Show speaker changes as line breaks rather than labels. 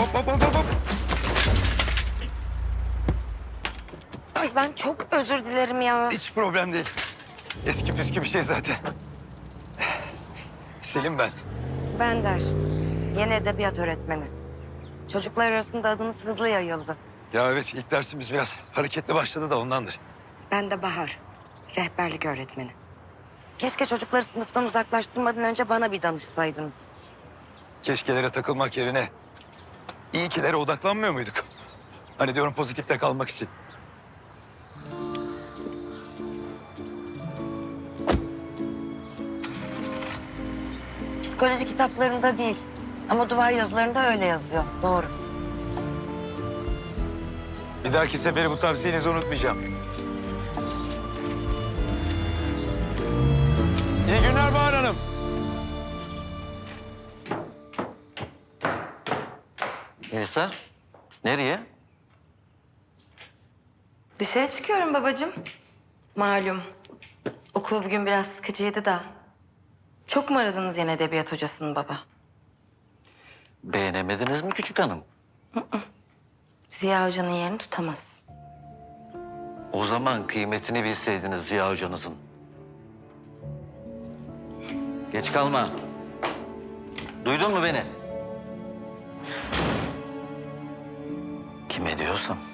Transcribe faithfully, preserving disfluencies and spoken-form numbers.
Hop hop hop hop. hop.
Ay ben çok özür dilerim ya.
Hiç problem değil. Eski püskü bir şey zaten. Selim ben.
Ben Der. Yeni edebiyat öğretmeni. Çocuklar arasında adınız hızlı yayıldı.
Ya evet, ilk dersimiz biraz hareketli başladı da ondandır.
Ben de Bahar. Rehberlik öğretmeni. Keşke çocukları sınıftan uzaklaştırmadan önce bana bir danışsaydınız.
Keşkelere takılmak yerine iyi kilere odaklanmıyor muyduk? Hani diyorum pozitifte kalmak için.
Psikoloji kitaplarında değil. Ama duvar yazılarında öyle yazıyor. Doğru.
Bir dahaki sefere bu tavsiyenizi unutmayacağım. İyi günler Bahar Hanım.
Melisa, nereye?
Dışarı çıkıyorum babacığım. Malum. Okul bugün biraz sıkıcıydı da. Çok mu aradınız yine edebiyat hocasını baba?
Beğenemediniz mi küçük hanım?
Ziya hocanın yerini tutamaz.
O zaman kıymetini bilseydiniz Ziya hocanızın. Geç kalma. Duydun mu beni? Kime diyorsam.